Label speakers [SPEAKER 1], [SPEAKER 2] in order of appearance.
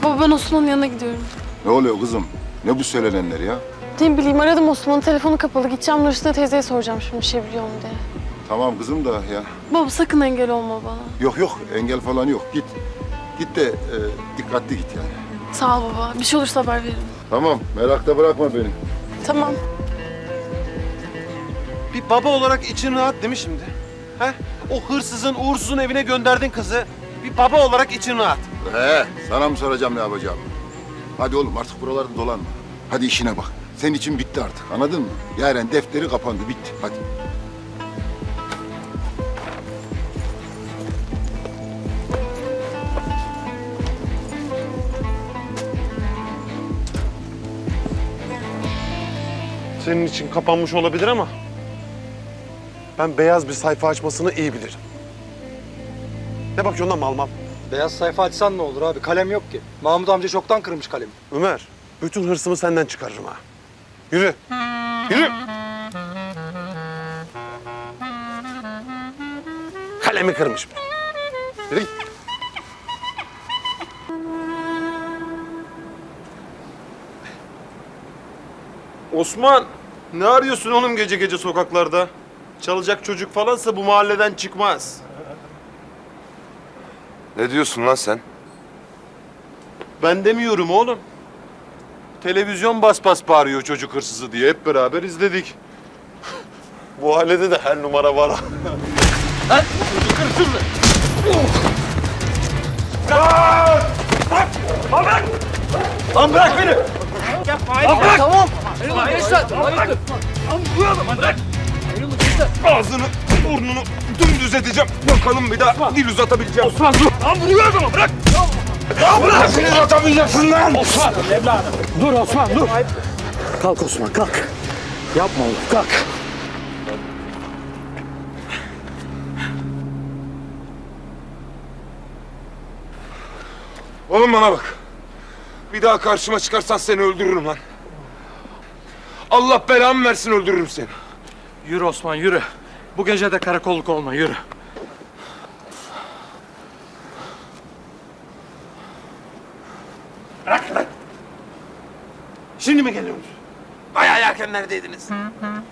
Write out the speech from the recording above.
[SPEAKER 1] Baba ben Osman'ın yanına gidiyorum.
[SPEAKER 2] Ne oluyor kızım? Ne bu söylenenler ya?
[SPEAKER 1] Ne bileyim aradım Osman'ın telefonu kapalı. Gideceğim Nursine teyzeye soracağım şimdi bir şey biliyor mu diye.
[SPEAKER 2] Tamam kızım da ya.
[SPEAKER 1] Baba sakın engel olma bana.
[SPEAKER 2] Yok yok engel falan yok. Git. Git de dikkatli git yani.
[SPEAKER 1] Sağ ol baba. Bir şey olursa haber veririm.
[SPEAKER 2] Tamam merakta bırakma beni.
[SPEAKER 1] Tamam.
[SPEAKER 3] Bir baba olarak için rahat değil mi şimdi? He? O hırsızın, uğursuzun evine gönderdin kızı. Bir baba olarak için rahat.
[SPEAKER 2] Sana mı soracağım ne yapacağım? Hadi oğlum artık buralarda dolanma. Hadi işine bak. Senin için bitti artık anladın mı? Yaren defteri kapandı bitti hadi.
[SPEAKER 3] Senin için kapanmış olabilir ama ben beyaz bir sayfa açmasını iyi bilirim. Ne bakıyorsun lan mal mal?
[SPEAKER 4] Beyaz sayfa açsan ne olur abi? Kalem yok ki. Mahmut amca çoktan kırmış kalemi.
[SPEAKER 3] Ömer, bütün hırsımı senden çıkarırım ha. Yürü. Yürü. Kalemi kırmış. Yürü git. Osman, ne arıyorsun oğlum gece gece sokaklarda? Çalacak çocuk falansa bu mahalleden çıkmaz.
[SPEAKER 5] Ne diyorsun lan sen?
[SPEAKER 3] Ben demiyorum oğlum. Televizyon bas bas bağırıyor çocuk hırsızı diye hep beraber izledik. Bu ailede de her numara var. Lan çocuk hırsızı! Lan bırak beni! Lan bırak! Tamam! Ağzını, burnunu dümdüz edeceğim. Bakalım bir daha dil uzatabileceğim. Osman dur! Lan vuruyor adamı bırak! Ya bırak! Seni uzatamayacaksın lan!
[SPEAKER 6] Osman evladım. Dur Osman dur. Kalk Osman kalk. Yapma oğlum kalk.
[SPEAKER 5] Oğlum bana bak. Bir daha karşıma çıkarsan seni öldürürüm lan. Allah belamı versin öldürürüm seni.
[SPEAKER 6] Yürü Osman yürü. Bu gece de karakolluk olma yürü.
[SPEAKER 3] Şimdi mi geliyorsunuz?
[SPEAKER 5] Bayağı erken neredeydiniz?